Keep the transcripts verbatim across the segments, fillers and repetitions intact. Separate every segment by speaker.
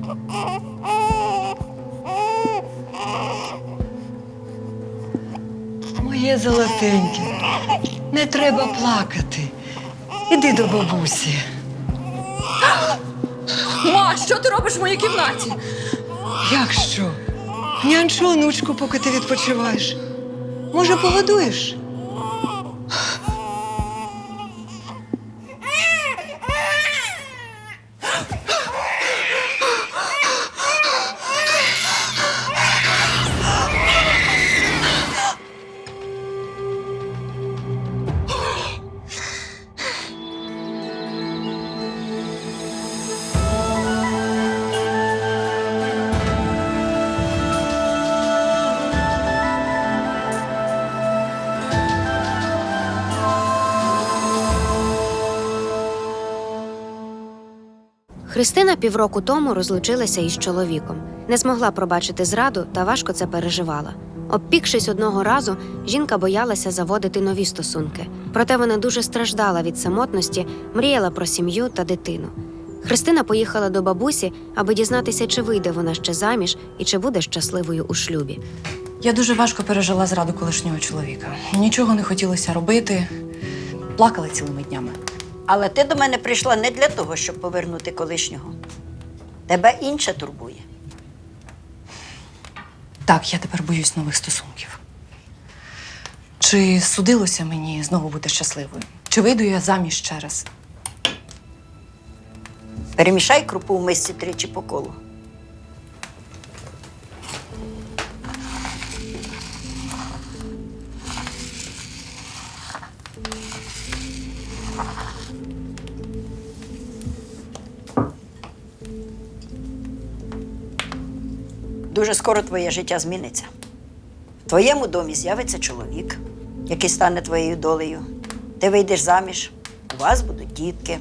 Speaker 1: Моє золотеньке, не треба плакати. Іди до бабусі.
Speaker 2: Ма, що ти робиш в моїй кімнаті?
Speaker 1: Як що? Нянчу онучку, поки ти відпочиваєш. Може, погодуєш?
Speaker 3: Христина півроку тому розлучилася із чоловіком. Не змогла пробачити зраду та важко це переживала. Обпікшись одного разу, жінка боялася заводити нові стосунки. Проте вона дуже страждала від самотності, мріяла про сім'ю та дитину. Христина поїхала до бабусі, аби дізнатися, чи вийде вона ще заміж і чи буде щасливою у шлюбі.
Speaker 2: Я дуже важко пережила зраду колишнього чоловіка. Нічого не хотілося робити. Плакала цілими днями.
Speaker 4: Але ти до мене прийшла не для того, щоб повернути колишнього. Тебе інше турбує.
Speaker 2: Так, я тепер боюсь нових стосунків. Чи судилося мені знову бути щасливою? Чи вийду я заміж ще раз?
Speaker 4: Перемішай крупу в мисці тричі по колу. Дуже скоро твоє життя зміниться. В твоєму домі з'явиться чоловік, який стане твоєю долею. Ти вийдеш заміж, у вас будуть дітки.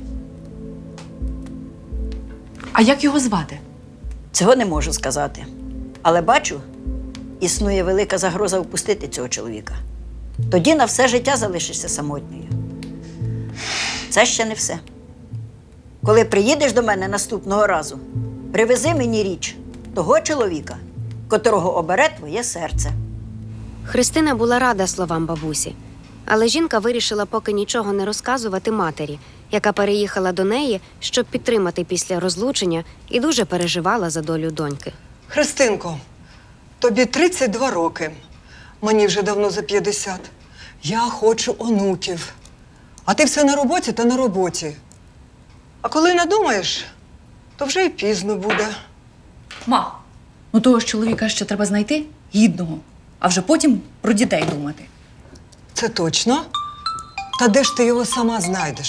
Speaker 2: А як його звати?
Speaker 4: Цього не можу сказати. Але бачу, існує велика загроза впустити цього чоловіка. Тоді на все життя залишишся самотньою. Це ще не все. Коли приїдеш до мене наступного разу, привези мені річ того чоловіка, котрого обере твоє серце.
Speaker 3: Христина була рада словам бабусі. Але жінка вирішила поки нічого не розказувати матері, яка переїхала до неї, щоб підтримати після розлучення, і дуже переживала за долю доньки.
Speaker 1: Христинко, тобі тридцять два роки. Мені вже давно за п'ятдесят. Я хочу онуків. А ти все на роботі та на роботі. А коли надумаєш, то вже й пізно буде.
Speaker 2: Ма, ну того ж чоловіка ще треба знайти гідного, а вже потім про дітей думати.
Speaker 1: Це точно? Та де ж ти його сама знайдеш?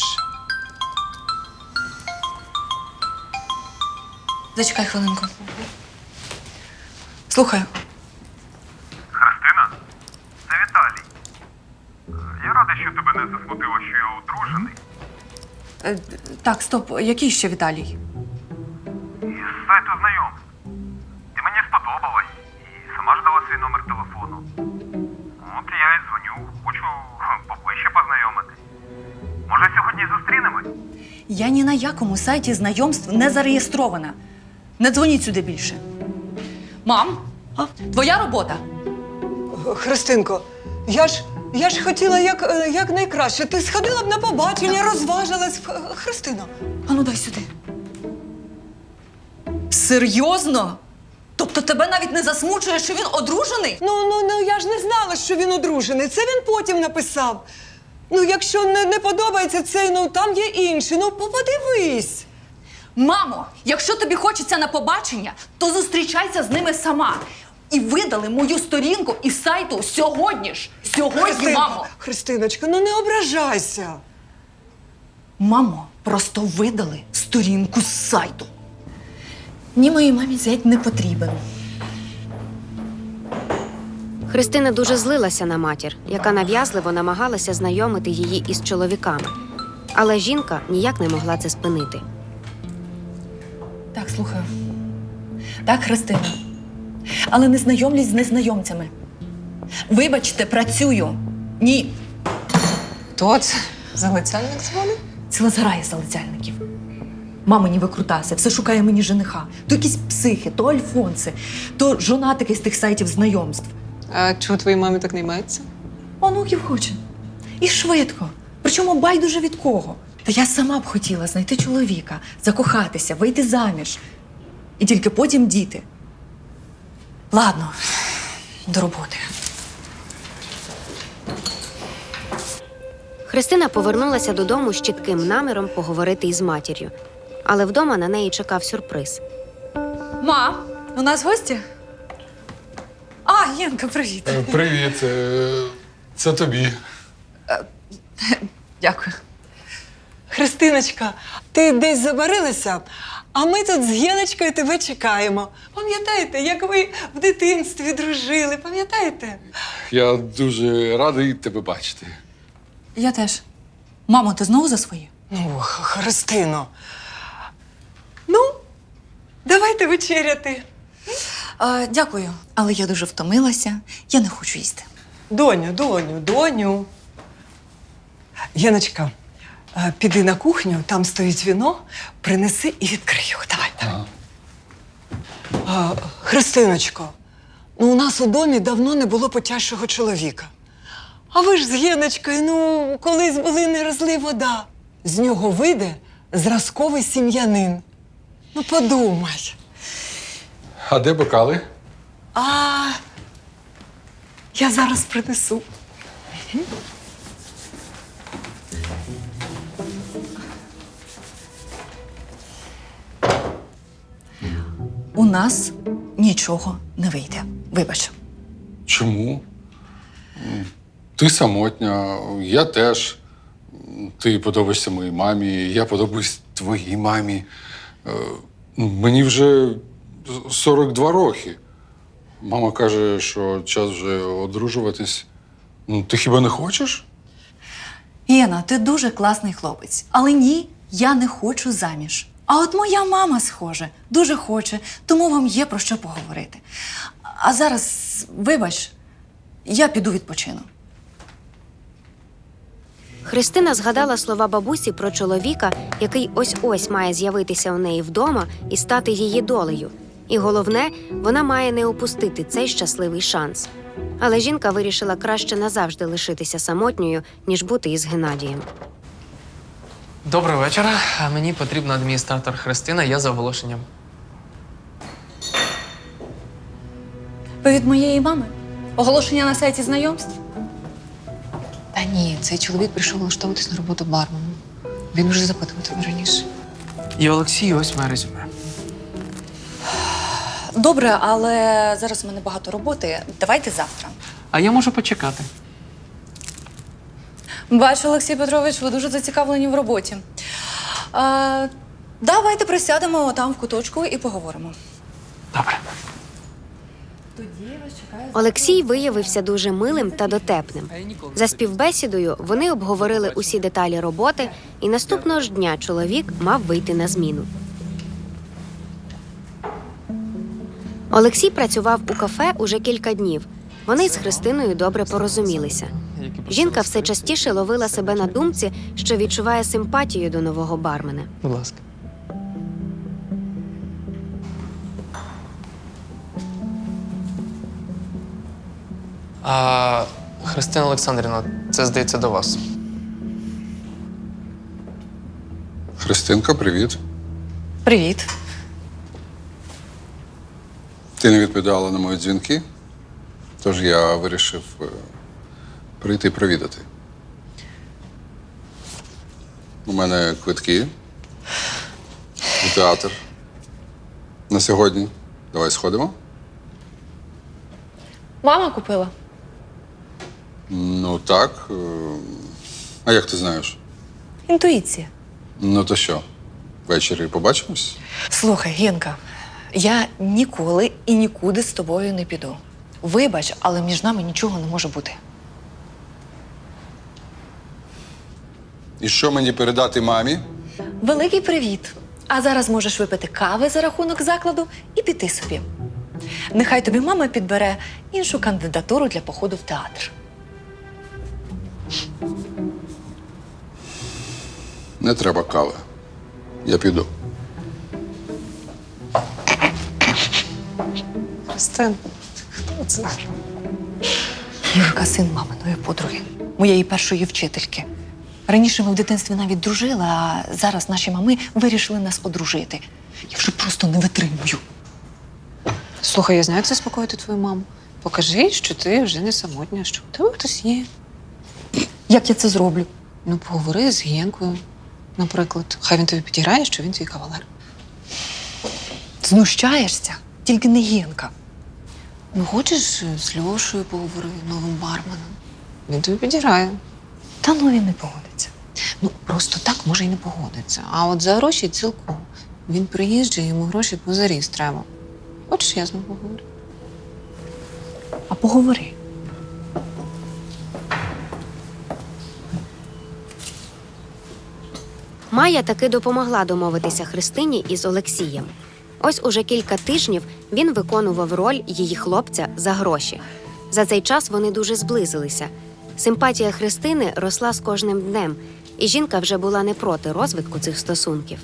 Speaker 2: Зачекай хвилинку. Слухаю.
Speaker 5: Христина, це Віталій. Я радий, що тебе не засмутило, що я одружений.
Speaker 2: Е, так, стоп, який ще Віталій?
Speaker 5: Із сайту знайомств. Ти мені сподобалась і сама ж дала свій номер телефону. От я й дзвоню, хочу поближче познайомити. Може, сьогодні зустрінемось?
Speaker 2: Я ні на якому сайті знайомств не зареєстрована. Не дзвоніть сюди більше. Мам, а? Твоя робота.
Speaker 1: Христинко, я ж, я ж хотіла як, е, як найкраще. Ти сходила б на побачення, розважилась. Х- Христино.
Speaker 2: Ану, дай сюди. Серйозно? Тобто тебе навіть не засмучує, що він одружений?
Speaker 1: Ну, ну, ну, я ж не знала, що він одружений. Це він потім написав. Ну, якщо не, не подобається цей, ну, там є інший. Ну, подивись.
Speaker 2: Мамо, якщо тобі хочеться на побачення, то зустрічайся з ними сама. І видали мою сторінку із сайту сьогодні ж. Сьогодні,
Speaker 1: Христинко,
Speaker 2: мамо.
Speaker 1: Христиночка, ну не ображайся.
Speaker 2: Мамо, просто видали сторінку з сайту. Ні, моїй мамі зять не потрібен.
Speaker 3: Христина дуже злилася на матір, яка нав'язливо намагалася знайомити її із чоловіками. Але жінка ніяк не могла це спинити.
Speaker 2: Так, слухаю. Так, Христина. Але не знайомлюсь з незнайомцями. Вибачте, працюю. Ні.
Speaker 6: Хто це? Залицяльник дзвонить?
Speaker 2: Ціла зграя залицяльників. Мамині викрутаси, все шукає мені жениха. То якісь психи, то альфонси, то жонатики з тих сайтів знайомств.
Speaker 6: А чого твоїй мамі так не йметься?
Speaker 2: Онуків хоче. І швидко. Причому байдуже від кого. Та я сама б хотіла знайти чоловіка, закохатися, вийти заміж. І тільки потім діти. Ладно, до роботи.
Speaker 3: Христина повернулася додому з чітким наміром поговорити із матір'ю. Але вдома на неї чекав сюрприз.
Speaker 2: Ма, у нас гості? А, Єнка, привіт.
Speaker 7: Е, Привіт. Е, Це тобі.
Speaker 2: Дякую.
Speaker 1: Христиночка, ти десь забарилася, а ми тут з Геночкою тебе чекаємо. Пам'ятаєте, як ви в дитинстві дружили, пам'ятаєте?
Speaker 7: Я дуже радий тебе бачити.
Speaker 2: Я теж. Мамо, ти знову за своє?
Speaker 1: Ну, Х- Христино. Ну, давайте вечеряти.
Speaker 2: А, дякую. Але я дуже втомилася. Я не хочу їсти.
Speaker 1: Доню, доню, доню. Яночка, е, піди на кухню, там стоїть віно, принеси і відкрию. Давай, давай. А, Христиночко, ну у нас у домі давно не було потяжчого чоловіка. А ви ж з Єночкою, ну, колись були не розлий вода. З нього вийде зразковий сім'янин. Ну, подумай.
Speaker 7: А де бокали?
Speaker 1: А я зараз принесу.
Speaker 2: У нас нічого не вийде. Вибач.
Speaker 7: Чому? Ти самотня, я теж. Ти подобаєшся моїй мамі, я подобаюсь твоїй мамі. Е, Мені вже сорок два роки. Мама каже, що час вже одружуватись. Ну, ти хіба не хочеш?
Speaker 2: Єна, ти дуже класний хлопець. Але ні, я не хочу заміж. А от моя мама, схоже, дуже хоче, тому вам є про що поговорити. А зараз, вибач, я піду відпочину.
Speaker 3: Христина згадала слова бабусі про чоловіка, який ось-ось має з'явитися у неї вдома і стати її долею. І головне, вона має не упустити цей щасливий шанс. Але жінка вирішила краще назавжди лишитися самотньою, ніж бути із Геннадієм.
Speaker 8: Доброго вечора. А Мені потрібна адміністратор Христина, я за оголошенням.
Speaker 2: Ви від моєї мами? Оголошення на сайті знайомств?
Speaker 6: Та ні, цей чоловік прийшов влаштовуватись на роботу барменом. Він вже запитував тебе раніше.
Speaker 8: І Олексій, ось моє резюме.
Speaker 2: Добре, але зараз у мене багато роботи. Давайте завтра.
Speaker 8: А я можу почекати.
Speaker 2: Бачу, Олексій Петрович, ви дуже зацікавлені в роботі. А, давайте присядемо там в куточку і поговоримо.
Speaker 8: Добре.
Speaker 3: Олексій виявився дуже милим та дотепним. За співбесідою вони обговорили усі деталі роботи, і наступного ж дня чоловік мав вийти на зміну. Олексій працював у кафе уже кілька днів. Вони з Христиною добре порозумілися. Жінка все частіше ловила себе на думці, що відчуває симпатію до нового бармена.
Speaker 8: Будь ласка. А, Христина Олександрівна, це, здається, до вас.
Speaker 7: Христинка, привіт.
Speaker 2: Привіт.
Speaker 7: Ти не відповідала на мої дзвінки, тож я вирішив е, прийти провідати. У мене квитки у театр на сьогодні. Давай сходимо.
Speaker 6: Мама купила.
Speaker 7: Ну так. е, А як ти знаєш?
Speaker 2: Інтуїція.
Speaker 7: Ну то що, ввечері побачимось?
Speaker 2: Слухай, Гінка, я ніколи і нікуди з тобою не піду. Вибач, але між нами нічого не може бути.
Speaker 7: І що мені передати мамі?
Speaker 2: Великий привіт. А зараз можеш випити кави за рахунок закладу і піти собі. Нехай тобі мама підбере іншу кандидатуру для походу в театр.
Speaker 7: Не треба кави. Я піду.
Speaker 6: Христин, хто це?
Speaker 2: Юрка, син маминої подруги, моєї першої вчительки. Раніше ми в дитинстві навіть дружили, а зараз наші мами вирішили нас одружити. Я вже просто не витримую.
Speaker 6: Слухай, я знаю, як заспокоїти твою маму. Покажи, що ти вже не самотня, що у тебе хтось є.
Speaker 2: Як я це зроблю?
Speaker 6: Ну, поговори з Генкою, наприклад. Хай він тобі підіграє, що він твій кавалер.
Speaker 2: Знущаєшся? Тільки не Генка.
Speaker 6: Ну, хочеш, з Льошою поговори, новим барменом. Він тобі підіграє.
Speaker 2: Та ну він не погодиться.
Speaker 6: Ну, просто так може й не погодиться. А от за гроші цілком. Він приїжджає, йому гроші позаріз треба. Хочеш, я з ним поговорю?
Speaker 2: А поговори.
Speaker 3: Майя таки допомогла домовитися Христині із Олексієм. Ось уже кілька тижнів він виконував роль її хлопця за гроші. За цей час вони дуже зблизилися. Симпатія Христини росла з кожним днем, і жінка вже була не проти розвитку цих стосунків.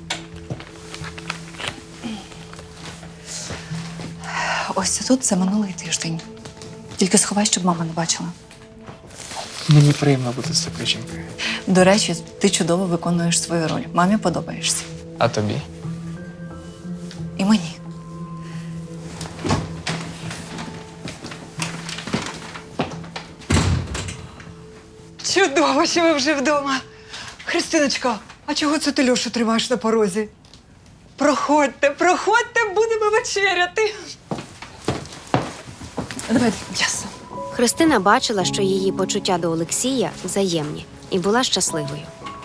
Speaker 2: Ось це тут за минулий тиждень. Тільки сховай, щоб мама не бачила.
Speaker 8: Мені приємно бути з такою жінкою.
Speaker 2: До речі, ти чудово виконуєш свою роль. Мамі подобаєшся.
Speaker 8: А тобі?
Speaker 2: І мені.
Speaker 1: Чудово, що ви вже вдома. Христиночка, а чого це ти Льошу тримаєш на порозі? Проходьте, проходьте, будемо вечеряти.
Speaker 2: Давай, ясно.
Speaker 3: Христина бачила, що її почуття до Олексія взаємні, і була щасливою.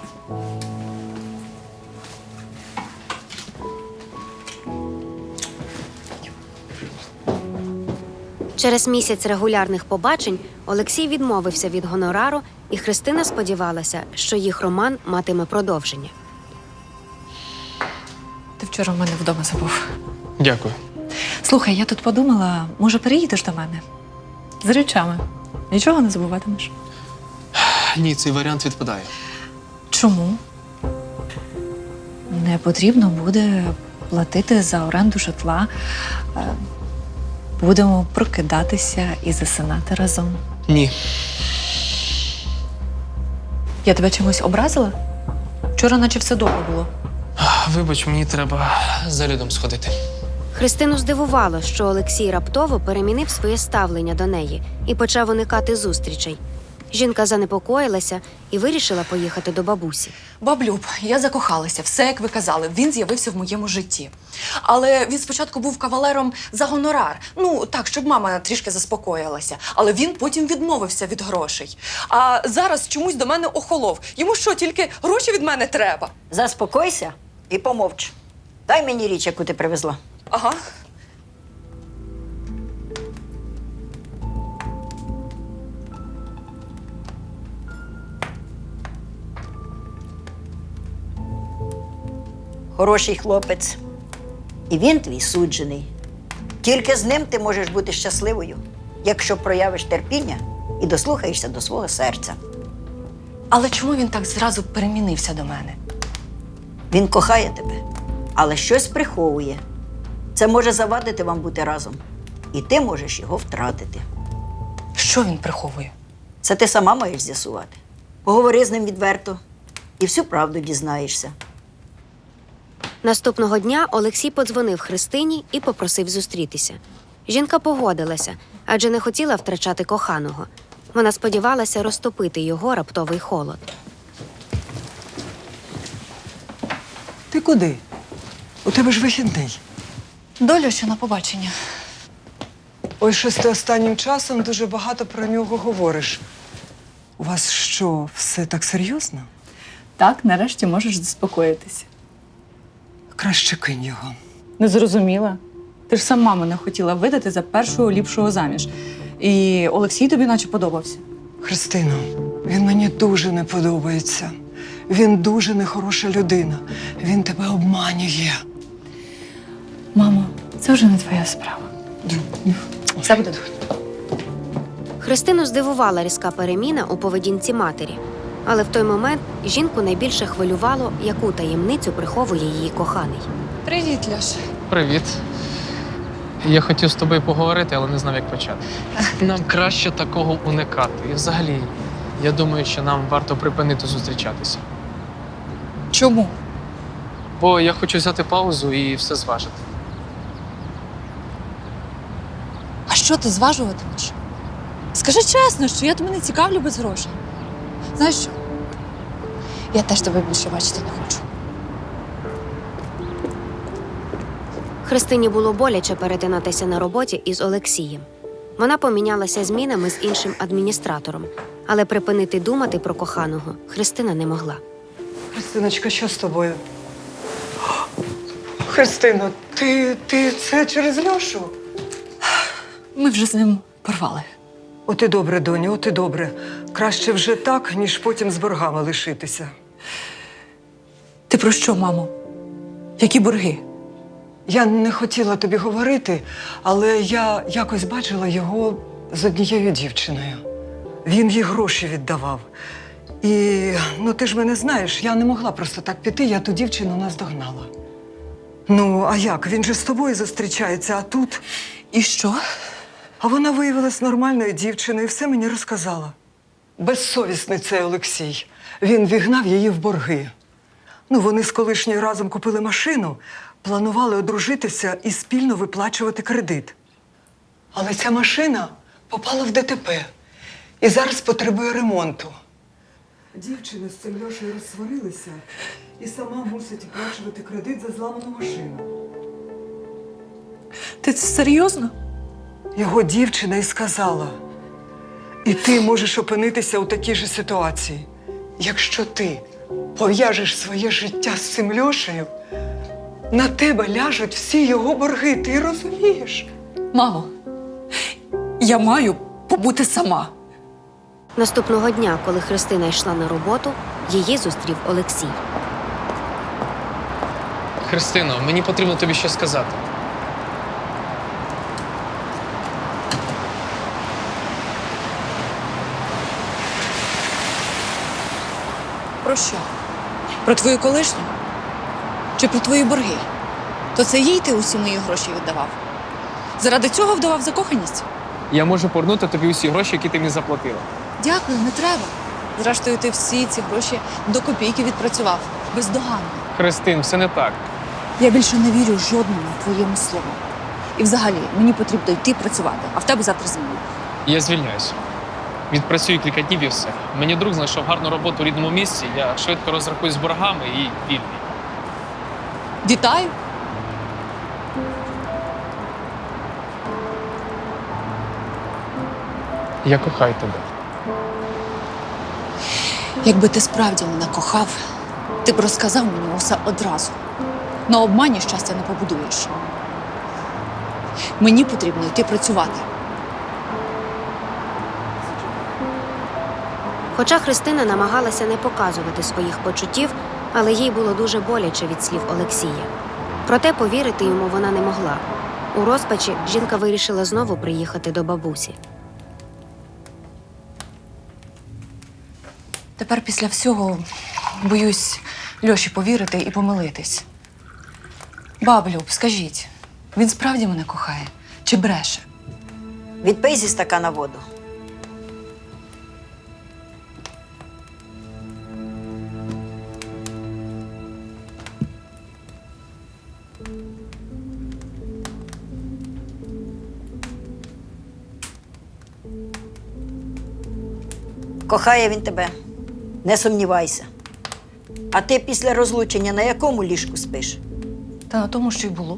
Speaker 3: Через місяць регулярних побачень Олексій відмовився від гонорару, і Христина сподівалася, що їх роман матиме продовження.
Speaker 2: Ти вчора в мене вдома забув.
Speaker 8: Дякую.
Speaker 2: Слухай, я тут подумала, може переїдеш до мене? З речами. Нічого не забуватимеш.
Speaker 8: Ні, цей варіант відпадає.
Speaker 2: Чому? Не потрібно буде платити за оренду житла. Е, Будемо прокидатися і засинати разом.
Speaker 8: Ні.
Speaker 2: Я тебе чимось образила? Вчора наче все добре було.
Speaker 8: Вибач, мені треба за Людом сходити.
Speaker 3: Христину здивувало, що Олексій раптово перемінив своє ставлення до неї і почав уникати зустрічей. Жінка занепокоїлася і вирішила поїхати до бабусі.
Speaker 2: Баблюб, я закохалася, все як ви казали, він з'явився в моєму житті. Але він спочатку був кавалером за гонорар. Ну, так, щоб мама трішки заспокоїлася. Але він потім відмовився від грошей. А зараз чомусь до мене охолов. Йому що, тільки гроші від мене треба?
Speaker 4: Заспокойся і помовч. Дай мені річ, яку ти привезла.
Speaker 2: Ага.
Speaker 4: Хороший хлопець. І він твій суджений. Тільки з ним ти можеш бути щасливою, якщо проявиш терпіння і дослухаєшся до свого серця.
Speaker 2: Але чому він так зразу перемінився до мене?
Speaker 4: Він кохає тебе, але щось приховує. Це може завадити вам бути разом. І ти можеш його втратити.
Speaker 2: Що він приховує?
Speaker 4: Це ти сама маєш з'ясувати. Поговори з ним відверто і всю правду дізнаєшся.
Speaker 3: Наступного дня Олексій подзвонив Христині і попросив зустрітися. Жінка погодилася, адже не хотіла втрачати коханого. Вона сподівалася розтопити його раптовий холод.
Speaker 1: Ти куди? У тебе ж вихідний.
Speaker 2: Доля, що на побачення.
Speaker 1: Ой, щось ти останнім часом дуже багато про нього говориш. У вас що, все так серйозно?
Speaker 2: Так, нарешті можеш заспокоїтися.
Speaker 1: Краще кинь його.
Speaker 2: Не зрозуміла. Ти ж сама мене хотіла видати за першого ліпшого заміж. І Олексій тобі наче подобався.
Speaker 1: Христино, він мені дуже не подобається. Він дуже нехороша людина. Він тебе обманює.
Speaker 2: Мамо, це вже не твоя справа. Все буде добре.
Speaker 3: Христину здивувала різка переміна у поведінці матері. Але в той момент жінку найбільше хвилювало, яку таємницю приховує її коханий.
Speaker 2: Привіт, Льоша.
Speaker 8: Привіт. Я хотів з тобою поговорити, але не знав, як почати. Нам краще такого уникати. І взагалі, я думаю, що нам варто припинити зустрічатися.
Speaker 2: Чому?
Speaker 8: Бо я хочу взяти паузу і все зважити.
Speaker 2: А що ти зважуватимеш? Скажи чесно, що я тебе не цікавлю без грошей. Знаєш що? Я теж тебе більше бачити не хочу.
Speaker 3: Христині було боляче перетинатися на роботі із Олексієм. Вона помінялася змінами з іншим адміністратором, але припинити думати про коханого Христина не могла.
Speaker 1: Христиночка, що з тобою? Христино, ти, ти це через Льошу?
Speaker 2: Ми вже з ним порвали.
Speaker 1: От і добре, доню, от і добре. Краще вже так, ніж потім з боргами лишитися.
Speaker 2: Ти про що, мамо? Які борги?
Speaker 1: Я не хотіла тобі говорити, але я якось бачила його з однією дівчиною. Він їй гроші віддавав. І, ну ти ж мене знаєш, я не могла просто так піти, я ту дівчину наздогнала. Ну, а як? Він же з тобою зустрічається, а тут…
Speaker 2: І що?
Speaker 1: А вона виявилась нормальною дівчиною і все мені розказала. Безсовісний цей Олексій. Він вігнав її в борги. Ну, вони з колишньою разом купили машину, планували одружитися і спільно виплачувати кредит. Але ця машина попала в ДТП і зараз потребує ремонту. Дівчина з цим Льошею розсварилися і сама мусить оплачувати кредит за зламану машину.
Speaker 2: Ти це серйозно?
Speaker 1: Його дівчина і сказала: і ти можеш опинитися у такій же ситуації. Якщо ти пов'яжеш своє життя з цим Льошею, на тебе ляжуть всі його борги, ти розумієш?
Speaker 2: Мамо, я маю побути сама.
Speaker 3: Наступного дня, коли Христина йшла на роботу, її зустрів Олексій.
Speaker 8: Христино, мені потрібно тобі щось сказати.
Speaker 2: Про що? Про твою колишню? Чи про твої борги? То це їй ти усі мої гроші віддавав? Заради цього вдавав закоханість?
Speaker 8: Я можу повернути тобі усі гроші, які ти мені заплатила.
Speaker 2: Дякую, не треба. Зрештою, ти всі ці гроші до копійки відпрацював. Бездоганно.
Speaker 8: Христин, все не так.
Speaker 2: Я більше не вірю жодному твоєму слову. І взагалі, мені потрібно йти працювати, а в тебе завтра зміна.
Speaker 8: Я звільняюся. Відпрацюю кілька днів і все. Мені друг знайшов гарну роботу у рідному місці, я швидко розрахуюсь з боргами і вільний.
Speaker 2: Вітаю!
Speaker 8: Я кохаю тебе.
Speaker 2: Якби ти справді мене кохав, ти б розказав мені усе одразу. На обмані щастя не побудуєш. Мені потрібно йти працювати.
Speaker 3: Хоча Христина намагалася не показувати своїх почуттів, але їй було дуже боляче від слів Олексія. Проте повірити йому вона не могла. У розпачі жінка вирішила знову приїхати до бабусі.
Speaker 2: Тепер після всього боюсь Льоші повірити і помилитись. Баб Люб, скажіть, він справді мене кохає? Чи бреше?
Speaker 4: Відпий зі стакана воду. Кохає він тебе, не сумнівайся. А ти після розлучення на якому ліжку спиш?
Speaker 2: Та на тому, що й було.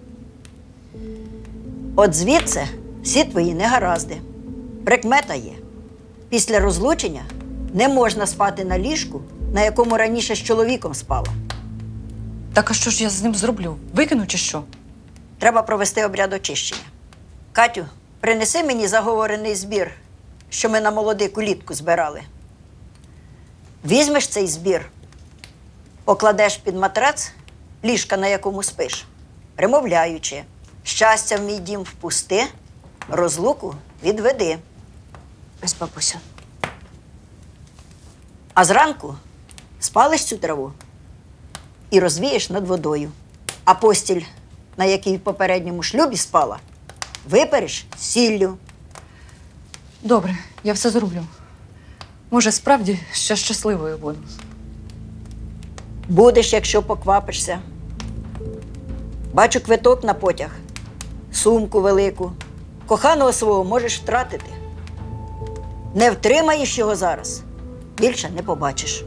Speaker 4: От звідси всі твої негаразди. Прикмета є. Після розлучення не можна спати на ліжку, на якому раніше з чоловіком спала.
Speaker 2: Так а що ж я з ним зроблю? Викину чи що?
Speaker 4: Треба провести обряд очищення. Катю, принеси мені заговорений збір, що ми на молодику літку збирали. Візьмеш цей збір, покладеш під матрац ліжка, на якому спиш, примовляючи: щастя в мій дім впусти, розлуку відведи.
Speaker 3: Ось, бабусю.
Speaker 4: А зранку спалиш цю траву і розвієш над водою. А постіль, на якій в попередньому шлюбі спала, випереш з сіллю.
Speaker 2: Добре, я все зроблю. Може, справді ще щасливою буду.
Speaker 4: Будеш, якщо поквапишся. Бачу квиток на потяг, сумку велику. Коханого свого можеш втратити. Не втримаєш його зараз, більше не побачиш.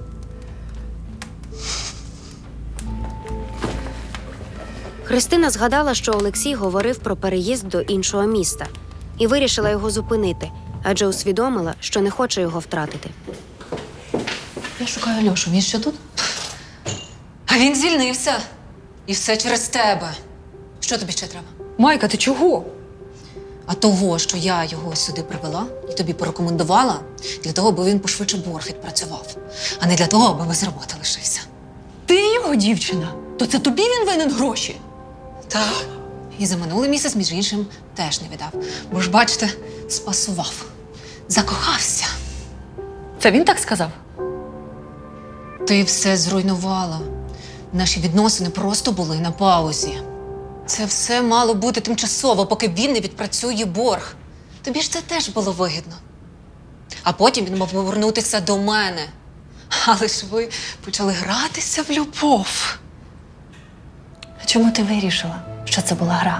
Speaker 3: Христина згадала, що Олексій говорив про переїзд до іншого міста і вирішила його зупинити, адже усвідомила, що не хоче його втратити.
Speaker 6: Я шукаю Льошу, він ще тут? А він звільнився. І все через тебе. Що тобі ще треба?
Speaker 2: Майка, ти чого?
Speaker 6: А того, що я його сюди привела і тобі порекомендувала, для того, аби він пошвидше борг відпрацював, а не для того, аби без роботи лишився.
Speaker 2: Ти його дівчина. То це тобі він винен гроші?
Speaker 6: Так. І за минулий місяць, між іншим, теж не віддав. Бо ж, бачите, спасував. Закохався.
Speaker 2: Це він так сказав?
Speaker 6: Ти все зруйнувала. Наші відносини просто були на паузі. Це все мало бути тимчасово, поки він не відпрацює борг. Тобі ж це теж було вигідно. А потім він мав повернутися до мене. Але ж ви почали гратися в любов.
Speaker 2: А чому ти вирішила, що це була гра?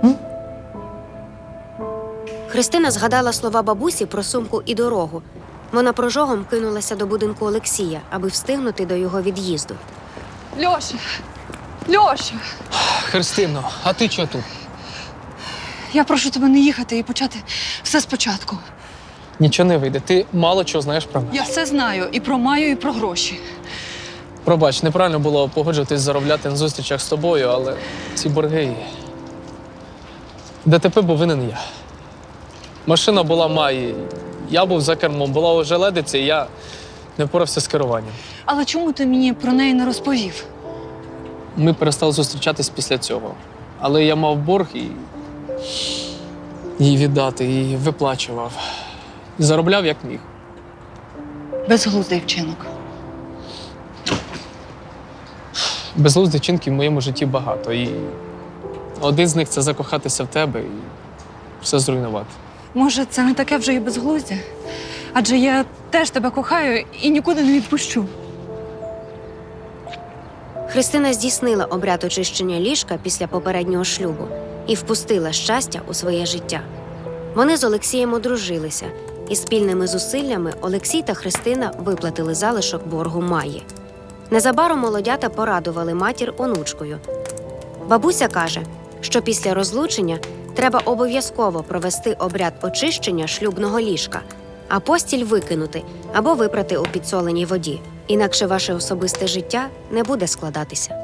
Speaker 3: Христина згадала слова бабусі про сумку і дорогу. Вона прожогом кинулася до будинку Олексія, аби встигнути до його від'їзду.
Speaker 2: Льоша! Льоша!
Speaker 8: Христино, а ти чого тут?
Speaker 2: Я прошу тебе не їхати і почати все спочатку.
Speaker 8: Нічого не вийде. Ти мало чого знаєш про мене.
Speaker 2: Я все знаю і про Маю, і про гроші.
Speaker 8: Пробач, неправильно було погоджуватись заробляти на зустрічах з тобою, але ці борги. ДТП був винен я. Машина була Маї, я був за кермом, була ожеледиця, і я не впорався з керуванням.
Speaker 2: Але чому ти мені про неї не розповів?
Speaker 8: Ми перестали зустрічатись після цього. Але я мав борг і її віддати, і виплачував. І заробляв як міг.
Speaker 2: Безглуздий вчинок.
Speaker 8: Безглуздих вчинків в моєму житті багато. І один з них це закохатися в тебе і все зруйнувати.
Speaker 2: Може, це не таке вже і безглуздя? Адже я теж тебе кохаю і нікуди не відпущу.
Speaker 3: Христина здійснила обряд очищення ліжка після попереднього шлюбу і впустила щастя у своє життя. Вони з Олексієм одружилися, і спільними зусиллями Олексій та Христина виплатили залишок боргу Маї. Незабаром молодята порадували матір онучкою. Бабуся каже, що після розлучення треба обов'язково провести обряд очищення шлюбного ліжка, а постіль викинути або випрати у підсоленій воді. Інакше ваше особисте життя не буде складатися.